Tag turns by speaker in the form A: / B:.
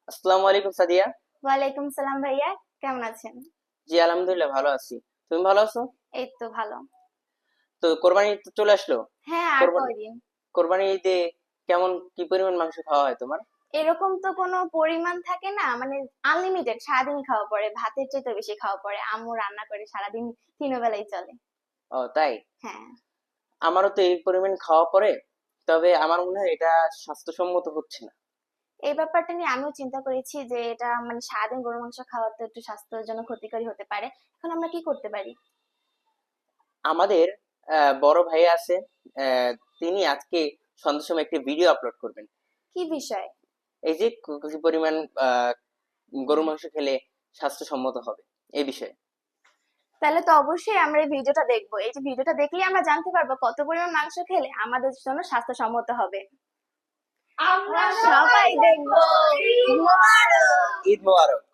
A: আসসালামু আলাইকুম সাদিয়া।
B: ওয়ালাইকুম সালাম ভাইয়া, কেমন আছেন?
A: জি আলহামদুলিল্লাহ ভালো আছি। তুমি ভালো আছো?
B: এই তো ভালো।
A: তো কোরবানি ঈদ তো চলে আসলো।
B: হ্যাঁ, আর
A: কোরবানি
B: কয়দিন।
A: কোরবানি ঈদে কেমন কি পরিমাণ মাংস খাওয়া হয় তোমার?
B: এরকম তো কোনো পরিমাণ থাকে না, মানে আনলিমিটেড সারাদিন খাওয়া পড়ে, ভাতের চেয়ে বেশি খাওয়া পড়ে। আম্মু রান্না করে সারাদিন, তিন বেলাই চলে।
A: ও তাই।
B: হ্যাঁ।
A: আমারও তো এই পরিমাণ খাওয়া পড়ে, তবে আমার মনে হয় এটা স্বাস্থ্যসম্মত হচ্ছে না।
B: এই ব্যাপারটা নিয়ে আমিও চিন্তা করেছি যে এটা মানে সারাদিন গরু মাংস খাওয়া তো একটু স্বাস্থ্যের জন্য ক্ষতিকরী হতে পারে। এখন আমরা কি করতে পারি?
A: আমাদের বড় ভাই আছে, আহ, তিনি আজকে সন্ধ্যার সময় একটি ভিডিও আপলোড করবেন।
B: কি বিষয়?
A: এই যে কি পরিমাণ আহ, গরু মাংস খেলে স্বাস্থ্যসম্মত হবে এই বিষয়ে।
B: তাহলে তো অবশ্যই আমরা এই ভিডিওটা দেখবো। এই যে ভিডিওটা দেখলেই আমরা জানতে পারবো কত পরিমাণ মাংস খেলে আমাদের জন্য স্বাস্থ্যসম্মত হবে। আমরা সবাই দেখবো। ঈদ মোবারক।
A: ঈদ মোবারক।